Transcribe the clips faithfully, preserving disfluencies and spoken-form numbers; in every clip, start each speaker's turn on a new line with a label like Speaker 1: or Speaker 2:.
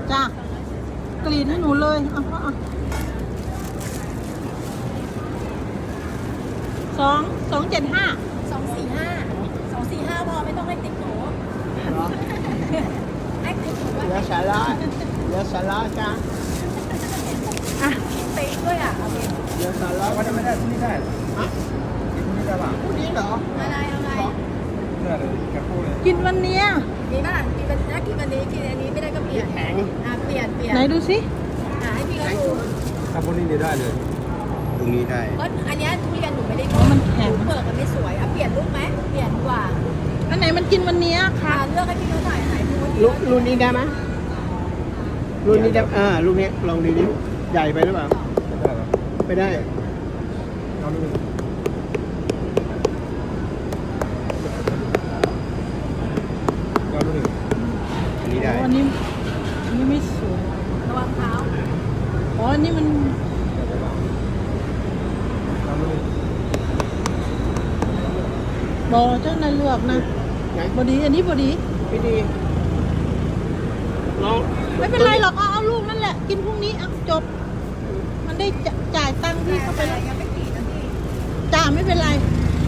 Speaker 1: จ้ะกรีดให้หนูเลยเอาเอาสองสองเจ็ดห้า
Speaker 2: สองสี่ห้าสองสี่ห้าพอไม่ต้องให้ติดหนูให้ติดหนูว่า
Speaker 3: เดี๋ยวสาระเดี๋ยวสาระจ้า
Speaker 1: อ่ะ
Speaker 2: เป๊ะด้วยอ่ะเอาไป
Speaker 3: เดี๋ยวสาระ
Speaker 4: วันนี้ไม่ได้พรุ่งนี้ได้
Speaker 3: ฮะ
Speaker 4: พรุ่งนี้ได้ป่ะ
Speaker 3: พรุ่งนี้เหรอ
Speaker 2: อะไรเอาไง
Speaker 4: เนื้อเลยกระพู้เลย
Speaker 1: กินวันเนี้ย
Speaker 2: มีบ้างกินวันนี้กินวันนี้กินอันนี้ไม่ได้ก็เปลี่ยน
Speaker 3: แข็ง
Speaker 2: อ่ะเปลี่ยนเปลี่ยน
Speaker 1: ไหนดูสิ
Speaker 2: อ่ะให้พี่เขาดู
Speaker 4: ถ้าพรุ่งนี้เดี๋ยวได้เลยพรุ่งนี้ได้
Speaker 2: เพราะอันเนี้ยทุเรียนหนูไม่ได้
Speaker 1: อ๋อมันแข็ง
Speaker 2: เปลือกมันไม่สวยอ่ะเปลี่ยนรูปไหมเปลี่ยนดีกว่า
Speaker 1: อันไหนมันกินวันเนี้ย
Speaker 2: ค่ะ
Speaker 1: ค่ะ
Speaker 2: เลือกให้พี่เขาถ่ายถ่ายรูป
Speaker 3: รุ่นรุ่นนี้ได้ไหมรุ่นนี้ได้อ่ารุ่นนี้ลองดูดิใหญ่ไปหรือเปล่า
Speaker 4: ได้หรอ
Speaker 3: ไม่ได้
Speaker 4: เอาดูเอาดูหนึ่งอันนี้ได้
Speaker 1: อ๋ออันนี้อันนี้ไม่สวย
Speaker 2: ระวังเท้า
Speaker 1: อ๋ออันนี้มัน
Speaker 4: เอาดูหนึ่ง
Speaker 1: บอเจ้านายเลือกนะ
Speaker 3: ไหน
Speaker 1: บอดีอันนี้บอดี
Speaker 3: ไม่ดีลอง
Speaker 1: ไม่เป็นไรหรอกเอาเอาลูกนั่นแหละ กินพรุ่งนี้อ่ะจบ มันได้จจ่ายตังค์ที่เข้าไปแล้ว
Speaker 2: ยังไม่ติดนะพี่
Speaker 1: จ่าไม่เป็นไร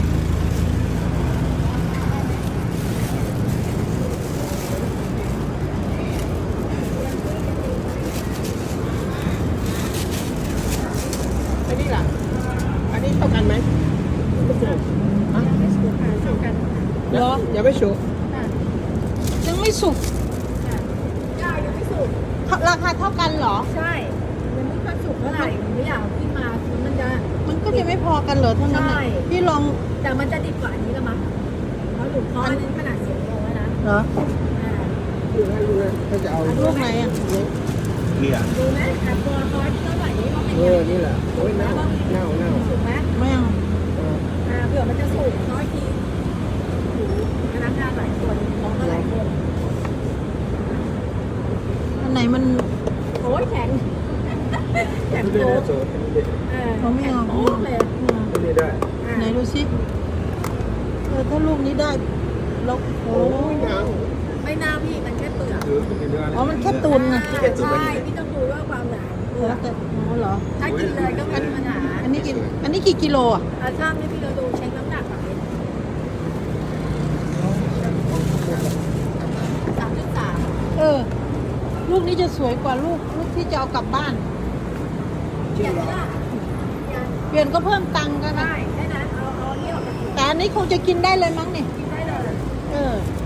Speaker 3: อันนี้ล่ะ อันนี้เท่ากันไหมฮะ
Speaker 2: ไม่สูงค่ะเท่ากัน
Speaker 1: เหรอ
Speaker 3: ยังไม่สุก
Speaker 2: ค่ะ
Speaker 1: ยังไม่สุก
Speaker 2: ค่ะได้ยังไม่สุก
Speaker 1: ราคาเท่ากันเหรอ
Speaker 2: ใช่ยังไม่ค่อยสุกเท่าไหร่ไม่อยากเอาขึ้นมาคือมันจะ
Speaker 1: มันก็จะไม่พอกันเหรอทั้งนั้นน่ะ
Speaker 2: ใช่
Speaker 1: พี่ลอง
Speaker 2: แต่มันจะดิบกว่าอันนี้ละมั้งเพราะหนูเพราะอันนี้ขนาดเสียงโลแล้วนะ
Speaker 1: เหรอ
Speaker 2: อ่า
Speaker 3: ดูนะดูนะถ้าจะเอา
Speaker 1: ลูกไหนอ่ะ
Speaker 4: นี่อ่ะ
Speaker 2: ดูไหมอ่ะตัวคอยที่เท่าไหร่นี้ว่าเป็น
Speaker 3: เอ
Speaker 2: ยัง
Speaker 3: อ
Speaker 2: ไง
Speaker 3: นี่แหละโอ้ยเน่าเน่าเน่า
Speaker 2: สุกไหม
Speaker 1: ไม่เอา
Speaker 3: เออ
Speaker 2: อ่าเผื่อมันจะสุกน้อยทีหูพนักงานหลายคนน้องก็หลายคน
Speaker 1: อันไหนมัน
Speaker 2: โอ้ยแข็งแข็ง
Speaker 4: ดู
Speaker 2: โป๊
Speaker 4: ได้
Speaker 2: ก
Speaker 4: โซ่อันนี้ได้
Speaker 2: เออ
Speaker 1: เขาไม่เอา
Speaker 2: แข็งโป๊กเลย
Speaker 4: อันนี้ได้
Speaker 2: อ่ะ
Speaker 1: ไหนดูสิเออถ้าลูกนี้ได้แล้วโอ้
Speaker 3: โอ้ยเน่า
Speaker 2: ไม่น่าพี่มันแค่เปลือก
Speaker 4: คือเป็นเนื้อ
Speaker 1: อ๋อมันแค่ตุนไง
Speaker 2: อ่าใช่พี่ต้องดูว่าความหนาเปลื
Speaker 1: แล้
Speaker 2: อ
Speaker 1: ว
Speaker 2: ก
Speaker 1: แต่อ๋อเหรอ
Speaker 2: ถ้ากินเลยก็ไม่มีปัญหา
Speaker 1: อันนี้กี่อันนี้กี่กิโลอ่ะ
Speaker 2: อ่ะช่างให้พี่เราดูเช็คน้ำหนักก่อนเลยสามจุดสาม
Speaker 1: เออ ลูกนี้จะสวยกว่าลูกลูกที่จะเอากลับบ้าน
Speaker 2: เปลี่ยนไม่ได้เปลี่ยน
Speaker 1: เปลี่ยนก็เพิ่มตังค์กันนะ
Speaker 2: ได้แค่นั้นเอาเอาอันนี้ออกจาก
Speaker 1: แต่อันนี้คงจะกินได้เลยมั้งนี่
Speaker 2: กินได้เลย
Speaker 1: เออ
Speaker 2: เ